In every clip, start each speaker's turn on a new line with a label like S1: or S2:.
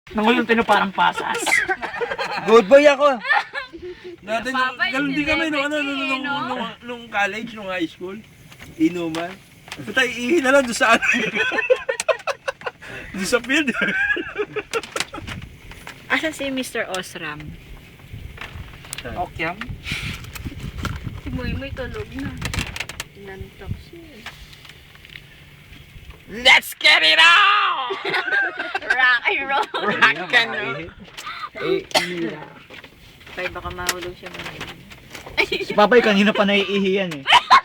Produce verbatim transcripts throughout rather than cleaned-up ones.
S1: Nangulong tino parang pasas.
S2: Good boy ako.
S3: Dati nung,
S4: Papa,
S3: ganun din kami nung, ano, nung,
S4: celebrity,
S3: nung,
S4: no?
S3: nung, nung college, nung high school. Inuman. Puta, iihi na lang doon sa ano. Doon sa field.
S4: Asan si Mister Osram?
S1: Okyam.
S4: Si Moy Moy tulog na. Nantok siya.
S1: Let's get it on!
S4: Rock and roll.
S1: Rock and roll.
S2: Eh,
S4: Kaya baka mahulog siya mga
S2: si Papay kanina pa naiihi yan eh.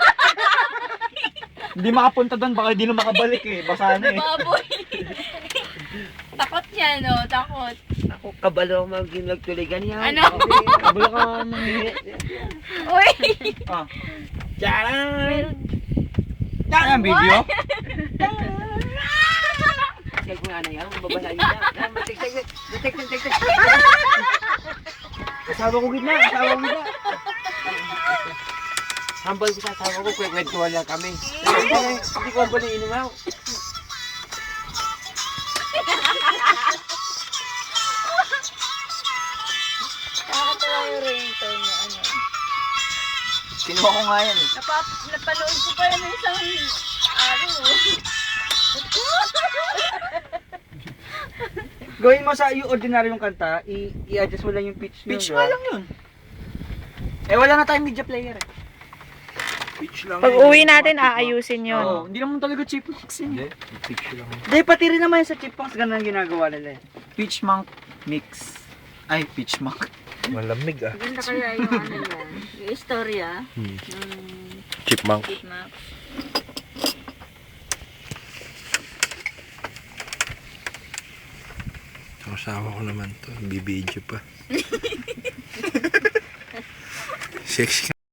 S2: Hindi makapunta doon, baka hindi na makabalik eh. Basa na eh.
S4: baboy. Takot niya, no? Takot.
S2: Ako kabalo maging nagtuligan yan.
S4: Ano?
S2: Kabalo ka mangihi.
S4: Uy!
S2: Ah.
S4: Meron.
S2: Yan ang video?
S5: Kaya ko nga na yan, babasa niya na. Matik-tik, matik-tik-tik.
S2: Asawa ko gitna, asawa ko gitna.
S5: Hambal ko sa asawa ko, kwek-kwentuhan lang kami. Hindi ko ba nang inumaw?
S4: Nakakatawa yung ringtone niya, ano.
S2: Kinuha ko nga yan eh.
S4: Napap napanood ko pa yun ng isang araw.
S2: Gawin mo sa yung ordinaryong kanta, i- i-adjust mo lang yung pitch nyo.
S1: Pitch
S2: diba?
S1: nga lang yun.
S2: Eh wala na tayong media player eh.
S3: Pitch lang.
S4: Pag
S3: yun.
S4: uwi natin, aayusin yun.
S2: Oo, hindi naman talaga chipmunks
S3: Hindi,
S2: yun.
S3: pitch lang.
S2: Hindi, pati rin naman sa chipmunks, ganun ang ginagawa nila eh.
S1: Pitch monk mix. Ay, pitch monk.
S3: Malamig ah.
S4: Maganda kaya yung ano yan, yung istorya.
S3: Hmm.
S4: Hmm.
S3: Chipmunk.
S4: Chipmunk.
S3: Kasama ko naman to. Bibidyo pa. Sexy